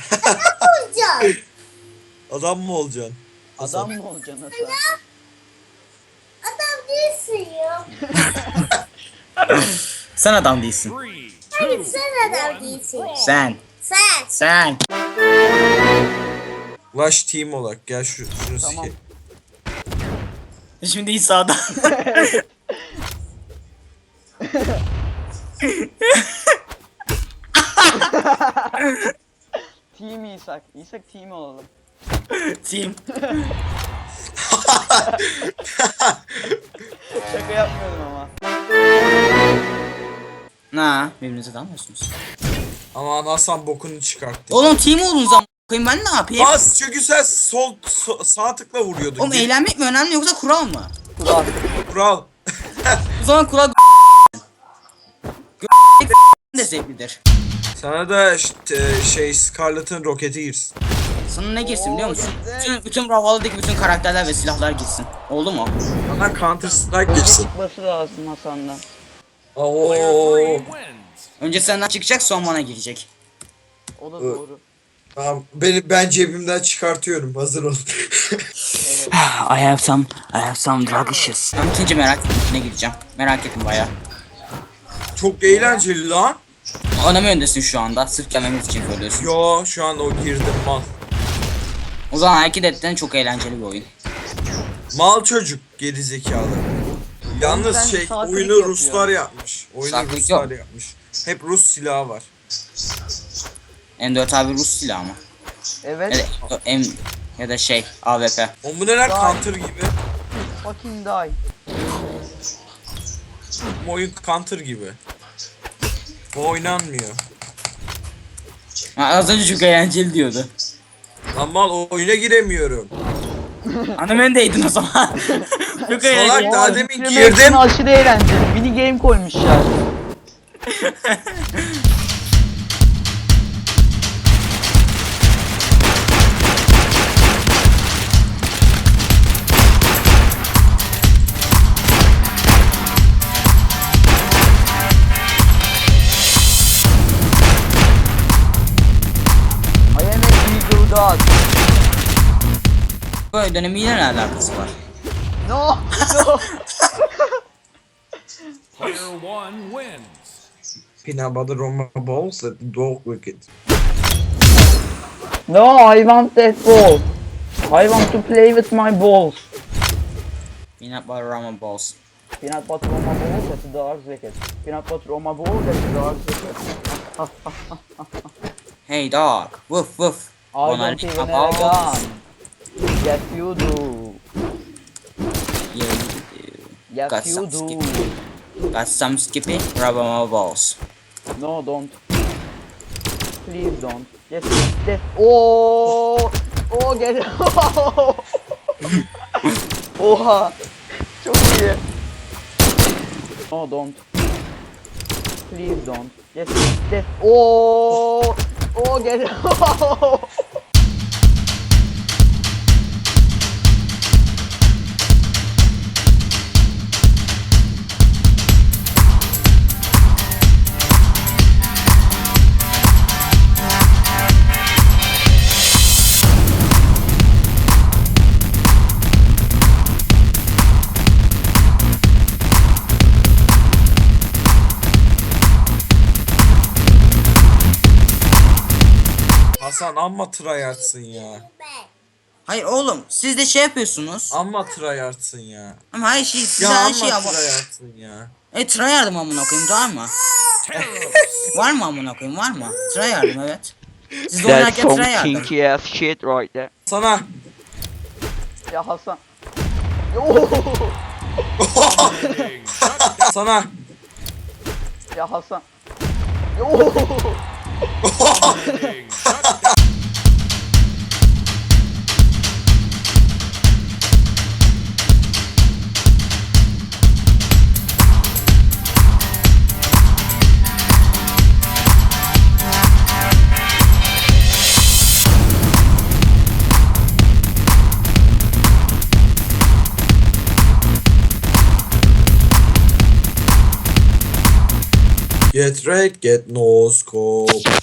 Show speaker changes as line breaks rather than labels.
Olacağım.
Adam mı olacaksın?
Adam mı olacaksın Hasan?
Adam değilsin ya.
Sen adam değilsin.
Hayır sen adam değilsin.
Sen.
Sen.
Sen.
Ulaş team olarak gel şunu
Tamam.
sikeyim.
Şimdi İsa'dan.
Team İshak. İshak team olalım.
Team.
Şaka yapmıyordum ama.
Ha, birbirinize dalmıyorsunuz.
Aman Hasan bokunu çıkarttı.
Oğlum team olun zaman koyayım ben ne yapayım?
Bas çünkü sen sağ tıkla vuruyordun.
Oğlum eğlenmek mi önemli yoksa kural mı?
Kural.
Kural.
O zaman kural de zevklidir.
Sana da işte, Scarlett'ın roketi girsin.
Sana ne girsin biliyor musun?
Oo, güzel.
Bütün Brawlhalla'daki bütün karakterler ve silahlar girsin. Oldu mu?
Sana Counter Strike
Önce
girsin.
çıkması lazım Hasan'dan.
Oo.
Önce senden çıkacak sonra bana girecek.
O da doğru.
Tamam ben cebimden çıkartıyorum. Hazır ol.
I have some drug issues. Ben ikinci merak ettiğine gireceğim. Merak ettim baya.
Çok eğlenceli lan.
Oynama öndesin şu anda. Sırf gelmemiz için söylüyorsun.
Yo şu an o girdim mal.
O zaman hareket ettiğin çok eğlenceli bir oyun.
Mal çocuk gerizekalı. Yalnız
Sen saatlik
oyunu
yapıyor.
Ruslar yapmış. Oyunu
Saatlik
Ruslar
yok.
yapmış. Hep Rus silahı var.
M4 abi Rus silahı mı?
Evet.
Ya da şey AWP.
O bu neler
Vay.
Counter gibi.
Fucking die.
Bu oyun Counter gibi. Bu oynanmıyor.
Ha, az önce çok eğlenceli diyordu.
Lan mal o oyuna giremiyorum.
Anam öndeydin o zaman. Çok eğlenceli.
Salak daha
Aa,
demin
yüklemek için
girdim.
aşırı eğlenceli. Mini game koymuşlar. I am a eagle dog.
Böyle dönemiyle ne alakası var?
No, no.
Player one wins.
Peanut butter on my balls at the dog wicket.
No, I want that ball. I want to play with my balls.
Peanut butter Rama balls.
Peanut butter on my balls at the dog's wicket. Peanut butter on my balls at the dog's wicket.
Hey dog. Woof woof.
I
Wanna
don't
lick
even
my
have a
balls?
gun. Yes, you do.
Yeah, you do.
Yes,
Got
you
some
do.
skippy. Got some skippy. Rub on my balls.
No, don't. Please don't. Yes, yes. Oh, oh, get it. Oha. Çok iyi. No, don't. Please don't. Yes, yes. Oh, oh, get it.
Hasan amma tryhardsın ya.
Hayır oğlum siz de şey yapıyorsunuz.
Amma tryhardsın ya.
Ama her şey size
Ya
her
amma
şey ama.
tryhardsın ya.
Tryhard'ım amına koyayım var mı? Var mı amına koyayım var mı? Tryhard'ım evet. Siz de oynarken tryhard'ım.
ass shit right there.
Sana.
Ya Hasan. Yo.
Sana.
Ya Hasan. Yo.
Get right, get no scope.